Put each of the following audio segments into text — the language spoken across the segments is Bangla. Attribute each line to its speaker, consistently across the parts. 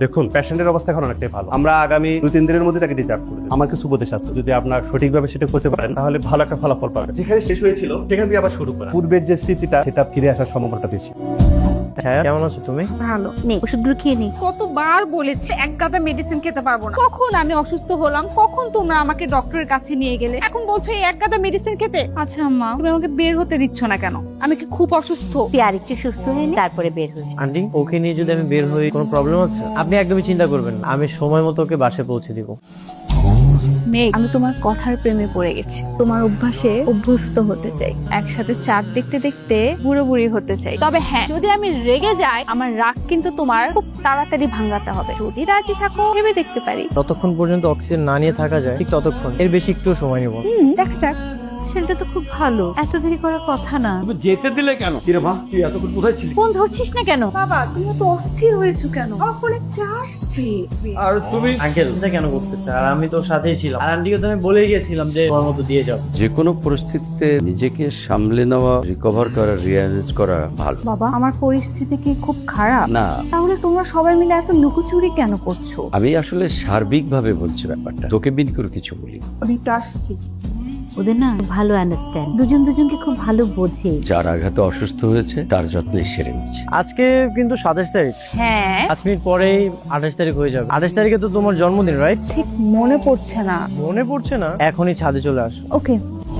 Speaker 1: দেখুন পেশেন্টের অবস্থা এখন অনেকটাই ভালো, আমরা আগামী 2-3 দিনের মধ্যে তাকে ডিসচার্জ করে দেব। আমার কিছু উপদেশ আছে, যদি আপনার সঠিকভাবে সেটা করতে পারেন তাহলে ভালো একটা ফলাফল পাবেন। যেখানে শেষ হয়েছিল সেখান থেকে আবার শুরু করা, পূর্বের যে স্মৃতিটা সেটা ফিরে আসার সম্ভাবনাটা বেশি।
Speaker 2: হ্যাঁ, কেমন আছো তুমি?
Speaker 3: ভালো নেই, ওষুধগুলো খেয়ে নেই।
Speaker 4: কতবার বলেছি এক গাদা মেডিসিন খেতে পারবো না। কখন আমি অসুস্থ হলাম, কখন তোমরা আমাকে ডক্টরের কাছে নিয়ে গেলে, এখন বলছো এই এক গাদা মেডিসিন খেতে। আচ্ছা আম্মা, তুমি আমাকে বের হতে দিচ্ছ না কেন? আমি কি খুব অসুস্থ?
Speaker 3: তুই আরেকটু সুস্থ হয়ে নে, তারপরে বের হয়ে।
Speaker 2: আন্টি, ওকে নিয়ে যদি আমি বের হই কোনো প্রবলেম আছে? আপনি একদমই চিন্তা করবেন না, আমি সময় মতো ওকে বাসায় পৌঁছে দিব।
Speaker 4: মেঘ, আমি তোমার কথার প্রেমে পড়ে গেছি, তোমার অভ্যাসে অভ্যস্ত হতে চাই, একসাথে চাঁদ দেখতে দেখতে বুড়ো বুড়ি হতে চাই। তবে হ্যাঁ, যদি আমি রেগে যাই, আমার রাগ কিন্তু তোমার খুব তাড়াতাড়ি ভাঙাতে হবে। যদি রাজি থাকো ভেবে দেখতে পারি।
Speaker 2: ততক্ষণ পর্যন্ত অক্সিজেন না নিয়ে থাকা যায় ঠিক ততক্ষণ, এর বেশি একটু সময় নিব।
Speaker 4: দেখা যাক।
Speaker 3: সেটা তো খুব ভালো, এত দেরি করার কথা না।
Speaker 5: তুমি যেতে দিলে কেন? কিরে মা, তুই এতক্ষণ কোথায় ছিলি?
Speaker 3: ফোন ধরছিস না কেন?
Speaker 4: বাবা, তুমি তো অস্থির হয়েছো কেন? আমার ফোনে চার্জ শেষ।
Speaker 5: আর তুমি
Speaker 2: আঙ্কেল এটা কেন করতেছে? আর আমি তো সাথেই ছিলাম, আর আন্টিকে তো আমি বলেই গেছিলাম যে তোমার মতো দিয়ে যাও।
Speaker 6: যে কোনো পরিস্থিতিতে নিজেকে সামলে নেওয়া, রিকভার করা, রিয়ালাইজ করা ভালো।
Speaker 4: বাবা, আমার পরিস্থিতি কি খুব খারাপ?
Speaker 6: না,
Speaker 4: তাহলে তোমরা সবাই মিলে এত লুকোচুরি কেন করছো?
Speaker 6: আমি আসলে সার্বিকভাবে বলছি ব্যাপারটা, তোকে বিন করে কিছু বলি।
Speaker 4: আমি তো আসছি।
Speaker 3: ওদের না ভালো আন্ডারস্ট্যান্ড, দুজন দুজনকে খুব ভালো বোঝে।
Speaker 6: যার আঘাতে অসুস্থ হয়েছে তার যত্নে সেরে নিচ্ছে।
Speaker 2: আজকে কিন্তু 27 তারিখ,
Speaker 4: হ্যাঁ,
Speaker 2: 5 মিনিট পরেই 28 তারিখ হয়ে যাবে। 28 তারিখে তো তোমার জন্মদিন, রাইট?
Speaker 4: ঠিক মনে পড়ছে না।
Speaker 2: মনে পড়ছে না? এখনই ছাদে চলে আসো।
Speaker 4: ওকে।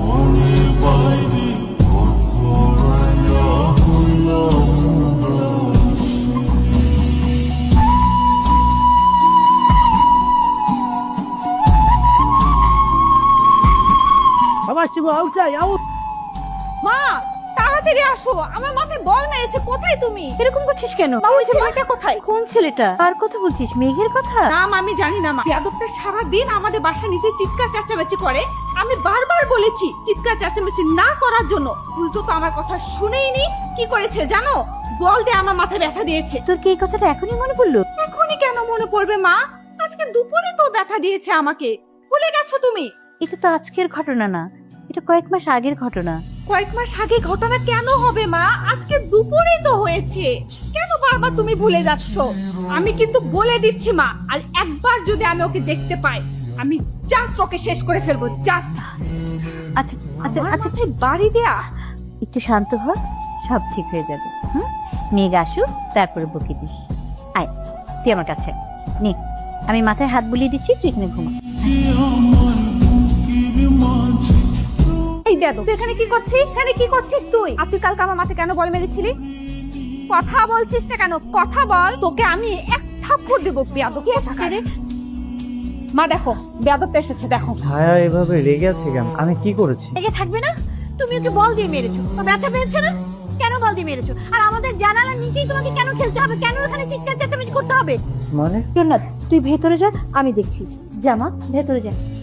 Speaker 2: আমার শিবু আউট চাই, আউট।
Speaker 4: মা, তাড়াতাড়ি আসো, আমার মাথায় বল মেরেছে। কোথায় তুমি?
Speaker 3: এরকম করছিস কেন?
Speaker 4: মা, ওই ছেলেটা কোথায়?
Speaker 3: কোন ছেলেটা? কার কথা বলছিস? মেঘের কথা?
Speaker 4: নাম আমি জানি না মা। যাদবটা সারাদিন আমাদের বাসা নিচে চিৎকার চেঁচামেচি করে। আমি বারবার বলেছি চিৎকার চেঁচামেচি না করার জন্য, উল্টো তো আমার কথা শুনেইনি। কি করেছে জানো? বল দিয়ে আমার মাথায় ব্যথা দিয়েছে।
Speaker 3: তোর কি এই কথাটা এখনই মনে পড়লো?
Speaker 4: এখনই কেন মনে পড়বে মা? আজকে দুপুরে তো ব্যথা দিয়েছে আমাকে। ভুলে গেছো তুমি?
Speaker 3: এটা তো আজকের ঘটনা না, এটা কয়েক মাস আগের ঘটনা।
Speaker 4: কয়েক মাস আগে ঘটনা কেন হবে মা? আজকে দুপুরেই তো হয়েছে। কেন বারবার তুমি ভুলে যাচ্ছ? আমি কিন্তু বলে দিচ্ছি মা, আর একবার যদি আমি ওকে দেখতে পাই, আমি জাস্ট ওকে শেষ করে ফেলবো। জাস্ট।
Speaker 3: আচ্ছা আচ্ছা আচ্ছা,
Speaker 4: মাথায় বাড়ি দেয়া।
Speaker 3: একটু শান্ত হ, সব ঠিক হয়ে যাবে। হুম, মেঘ আসুক তারপরে বকে দিস। আয় তুই আমার কাছে নে, আমি মাথায় হাত বুলিয়ে দিচ্ছি, তুই এখানে ঘুমা।
Speaker 4: এই দেখো, তুই এখানে কি করছিস? এখানে কি করছিস তুই? আর তুই কালকে আমার মাথায় কেন বল মেরেছিলি? কথা বলছিস না কেন? কথা বল। তোকে আমি এক থাপ্পড় দেবো। বেয়াদব কোথাকার। মা দেখো, বেয়াদবটা এসেছে, দেখো।
Speaker 2: ছায়া এভাবে রেগে আছে কেন? আমি কি করেছি?
Speaker 3: লেগে থাকবে না? তুমি ওকে বল দিয়ে মেরেছো, তো ব্যথা পেয়েছে না? কেন বল দিয়ে মেরেছো? আর আমাদের জানালার নিচেই তোমাকে কেন খেলতে হবে? কেন ওখানে চিৎকার চেঁচামেচি করতে হবে?
Speaker 2: মানে
Speaker 3: জন্নাত, তুই ভেতরে যা, আমি দেখছি। জামা ভেতরে যা।